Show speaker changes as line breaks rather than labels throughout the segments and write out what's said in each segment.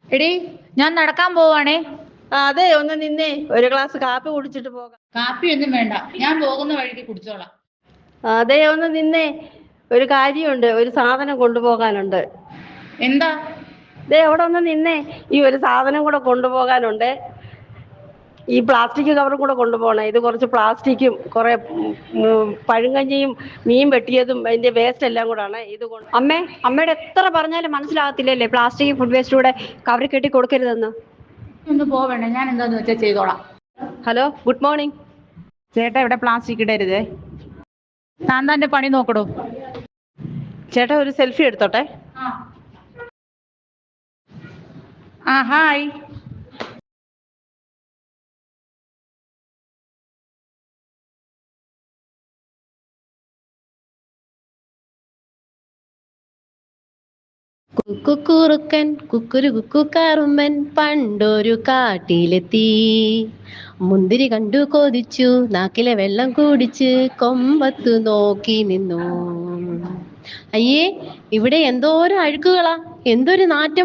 എടി, ഞാൻ നടക്കാൻ പോവാണേ.
അതെ, ഒന്ന് നിന്നേ, ഒരു ഗ്ലാസ് കാപ്പി കുടിച്ചിട്ട് പോകാം.
കാപ്പിയൊന്നും വേണ്ട, ഞാൻ പോകുന്ന വഴിക്ക് കുടിച്ചോളാം.
അതെ, ഒന്ന് നിന്നേ, ഒരു കാര്യമുണ്ട്, ഒരു സാധനം കൊണ്ടുപോകാനുണ്ട്.
എന്താ?
ദേ അവിടെ ഒന്ന് നിന്നേ, ഈ ഒരു സാധനം കൂടെ കൊണ്ടുപോകാനുണ്ട്. ഈ പ്ലാസ്റ്റിക് കവറും കൂടെ കൊണ്ടുപോകണം. ഇത് കുറച്ച് പ്ലാസ്റ്റിക്കും കുറെ പഴുങ്കഞ്ഞിയും മീൻ വെട്ടിയതും അതിന്റെ വേസ്റ്റ് എല്ലാം കൂടാണ്. ഇത്
അമ്മയുടെ എത്ര പറഞ്ഞാലും മനസ്സിലാകത്തില്ലല്ലേ, പ്ലാസ്റ്റിക് ഫുഡ് വേസ്റ്റ് കൂടെ കവറിൽ കെട്ടി കൊടുക്കരുതെന്ന്.
ഒന്ന് പോവേണ്ട, ഞാൻ എന്താന്ന് വെച്ചാൽ ചെയ്തോളാം.
Hello, good morning.
ചേട്ടാ, ഇവിടെ പ്ലാസ്റ്റിക് ഇടരുതേ. താൻ തന്റെ പണി നോക്കടോ.
ചേട്ടാ, ഒരു സെൽഫി എടുത്തോട്ടെ.
ഹായ്.
കുക്കുറുക്കൻ കുക്കുരു കുക്കുക്കാറുമ്പൻ പണ്ടൊരു കാട്ടിലെത്തി. മുന്തിരി കണ്ടു കൊതിച്ചു, നാക്കിലെ വെള്ളം കുടിച്ച് കൊമ്പത്തു നോക്കി നിന്നു. അയ്യേ, ഇവിടെ എന്തോരം അഴുക്കുകളാ, എന്തൊരു നാറ്റം.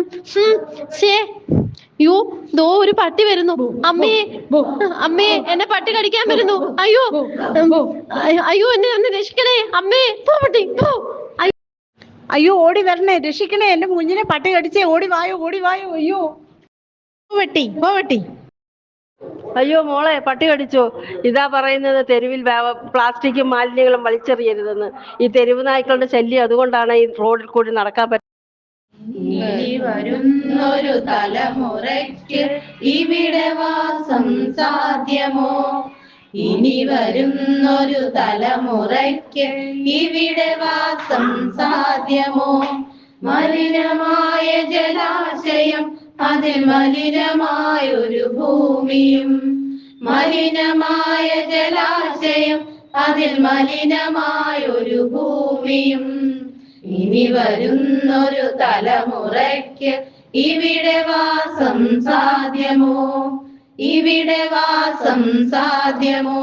യോ, ദോ ഒരു പട്ടി വരുന്നു. അമ്മേ, അമ്മേ, എന്നെ പട്ടി കടിക്കാൻ വരുന്നു. അയ്യോ, അയ്യോ, എന്നെ ഒന്ന് രക്ഷിക്കണേ അമ്മേ. പോ പട്ടി, പോ.
അയ്യോ, ഓടി വരണേ, രക്ഷിക്കണേ, എന്റെ കുഞ്ഞിനെ പട്ടി കടിച്ചേ, ഓടി വായോ, ഓടി വായോ. അയ്യോ,
പോവട്ടി.
അയ്യോ മോളെ, പട്ടി കടിച്ചോ. ഇതാ പറയുന്നത്, തെരുവിൽ പ്ലാസ്റ്റിക്കും മാലിന്യങ്ങളും വലിച്ചെറിയരുതെന്ന്. ഈ തെരുവ് നായ്ക്കളുടെ ശല്യം അതുകൊണ്ടാണ് ഈ റോഡിൽ കൂടി നടക്കാൻ പറ്റുന്നത്.
ഇനി വരുന്നൊരു തലമുറയ്ക്ക് ഇവിടെ വാസം സാധ്യമോ? ഇനി വരുന്നൊരു തലമുറയ്ക്ക് ഇവിടെ വാസം സാധ്യമോ? മലിനമായ ജലാശയം, അതിൽ മലിനമായൊരു ഭൂമിയും. മലിനമായ ജലാശയം, അതിൽ മലിനമായൊരു ഭൂമിയും. ഇനി വരുന്നൊരു തലമുറയ്ക്ക് ഇവിടെ വാസം സാധ്യമോ? ഇവിടെ വാസം സാധ്യമോ?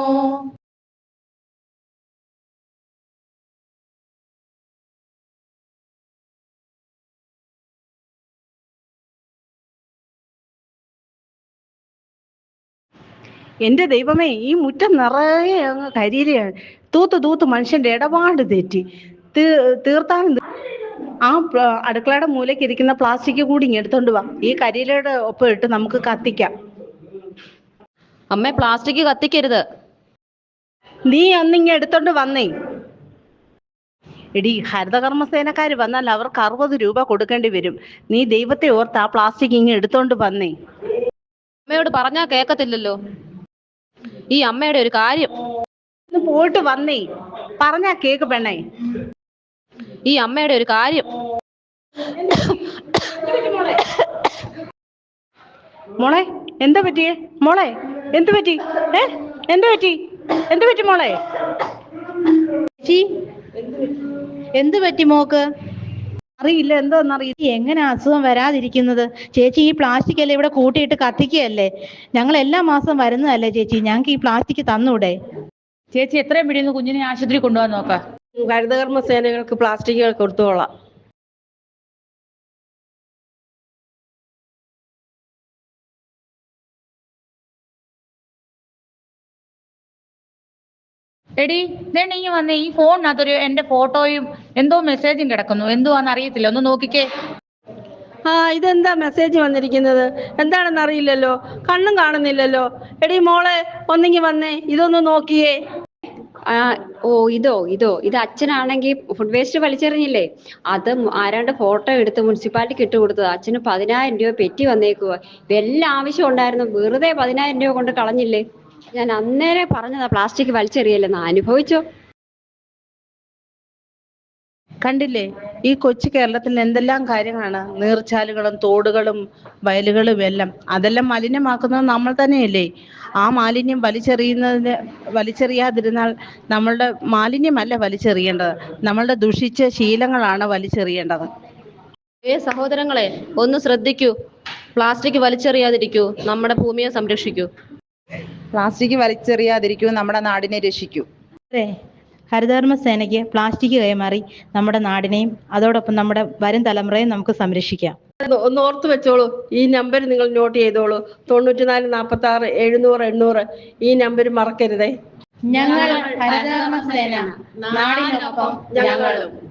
എന്റെ ദൈവമേ, ഈ മുറ്റം നിറയെ അങ്ങ് കരിയിലയാണ്. തൂത്ത് മനുഷ്യന്റെ ഇടപാട് തെറ്റി. തീർത്താനും അടുക്കളയുടെ മൂലയ്ക്ക് ഇരിക്കുന്ന പ്ലാസ്റ്റിക് കൂടി ഇങ്ങ് എടുത്തോണ്ട് വാ. ഈ കരിയിലയുടെ ഒപ്പം ഇട്ട് നമുക്ക് കത്തിക്കാം.
അമ്മേ, പ്ലാസ്റ്റിക് കത്തിക്കരുത്.
നീ ഒന്നിങ്ങ എടുത്തോണ്ട് വന്നേ. എടി, ഹരിതകർമ്മസേനക്കാർ വന്നാൽ അവർക്ക് 60 രൂപ കൊടുക്കേണ്ടി വരും. നീ ദൈവത്തെ ഓർത്ത് ആ പ്ലാസ്റ്റിക് ഇങ്ങ് എടുത്തോണ്ട് വന്നേ.
അമ്മയോട് പറഞ്ഞാ കേക്കത്തില്ലല്ലോ. ഈ അമ്മയുടെ ഒരു കാര്യം.
പോയിട്ട് വന്നേ, പറഞ്ഞാ കേക്ക് പെണ്ണേ.
ഈ അമ്മയുടെ ഒരു കാര്യം.
മോളെ, എന്താ പറ്റിയേ? മോളെ, എന്ത് പറ്റി? എന്ത് പറ്റി? എന്ത് പറ്റി മോളെ?
എന്ത് പറ്റി മോക്ക്?
അറിയില്ല, എന്താന്നറിയില്ല.
എങ്ങനെ അസുഖം വരാതിരിക്കുന്നത്? ചേച്ചി, ഈ പ്ലാസ്റ്റിക് അല്ലേ ഇവിടെ കൂട്ടിയിട്ട് കത്തിക്കുകയല്ലേ? ഞങ്ങൾ എല്ലാ മാസം വരുന്നതല്ലേ ചേച്ചി, ഞങ്ങൾക്ക് ഈ പ്ലാസ്റ്റിക് തന്നൂടെ? ചേച്ചി, എത്രയും പിടിയുന്നു കുഞ്ഞിനെ ആശുപത്രി കൊണ്ടുപോകാൻ നോക്കാം.
ഹരിതകർമ്മ സേനകൾക്ക് പ്ലാസ്റ്റിക്കുകൾ കൊടുത്തോളാം.
എടി, നീ വന്നേ. ഈ ഫോണിനകത്തൊരു എന്റെ ഫോട്ടോയും എന്തോ മെസ്സേജും കിടക്കുന്നു. എന്തുവാന്ന് അറിയത്തില്ല, ഒന്ന് നോക്കിക്കേ.
ഇതെന്താ മെസ്സേജ് വന്നിരിക്കുന്നത്? എന്താണെന്ന് അറിയില്ലല്ലോ, കണ്ണും കാണുന്നില്ലല്ലോ. എടി മോളെ, ഒന്നിങ്ങി വന്നേ, ഇതൊന്ന് നോക്കിയേ.
ഇത് അച്ഛനാണെങ്കിൽ ഫുഡ് വേസ്റ്റ് വലിച്ചെറിഞ്ഞില്ലേ, അത് ആരാണ്ട് ഫോട്ടോ എടുത്ത് മുനിസിപ്പാലിറ്റിക്ക് ഇട്ട് കൊടുത്തത്. അച്ഛന് 10,000 രൂപ പെറ്റി വന്നേക്കുക. വല്ല ആവശ്യം ഉണ്ടായിരുന്നു, വെറുതെ 10,000 രൂപ കൊണ്ട് കളഞ്ഞില്ലേ. ഞാൻ അന്നേരം പറഞ്ഞതാ പ്ലാസ്റ്റിക് വലിച്ചെറിയല്ലെന്ന്. അനുഭവിച്ചോ?
കണ്ടില്ലേ, ഈ കൊച്ചു കേരളത്തിൽ എന്തെല്ലാം കാര്യങ്ങളാണ്. നീർച്ചാലുകളും തോടുകളും വയലുകളും എല്ലാം, അതെല്ലാം മലിനമാക്കുന്നത് നമ്മൾ തന്നെയല്ലേ. ആ മാലിന്യം വലിച്ചെറിയാതിരുന്നാൽ നമ്മളുടെ മാലിന്യമല്ല വലിച്ചെറിയേണ്ടത്, നമ്മളുടെ ദുഷിച്ച ശീലങ്ങളാണ് വലിച്ചെറിയേണ്ടത്.
സഹോദരങ്ങളെ, ഒന്ന് ശ്രദ്ധിക്കൂ. പ്ലാസ്റ്റിക് വലിച്ചെറിയാതിരിക്കൂ, നമ്മുടെ ഭൂമിയെ സംരക്ഷിക്കൂ.
പ്ലാസ്റ്റിക് വലിച്ചെറിയാതിരിക്കൂ, നമ്മുടെ നാടിനെ രക്ഷിക്കൂ. അതെ, ഹരിതകർമ്മ സേനയ്ക്ക് പ്ലാസ്റ്റിക് കൈമാറി നമ്മുടെ നാടിനെയും അതോടൊപ്പം നമ്മുടെ വരും തലമുറയും നമുക്ക് സംരക്ഷിക്കാം.
ഒന്ന് ഓർത്ത് വെച്ചോളൂ. ഈ നമ്പർ നിങ്ങൾ നോട്ട് ചെയ്തോളൂ. 94 46 700 800. ഈ നമ്പർ മറക്കരുതേ.
ഞങ്ങൾ ഹരിതകർമ്മ സേന, നാടിനൊപ്പം ഞങ്ങളും.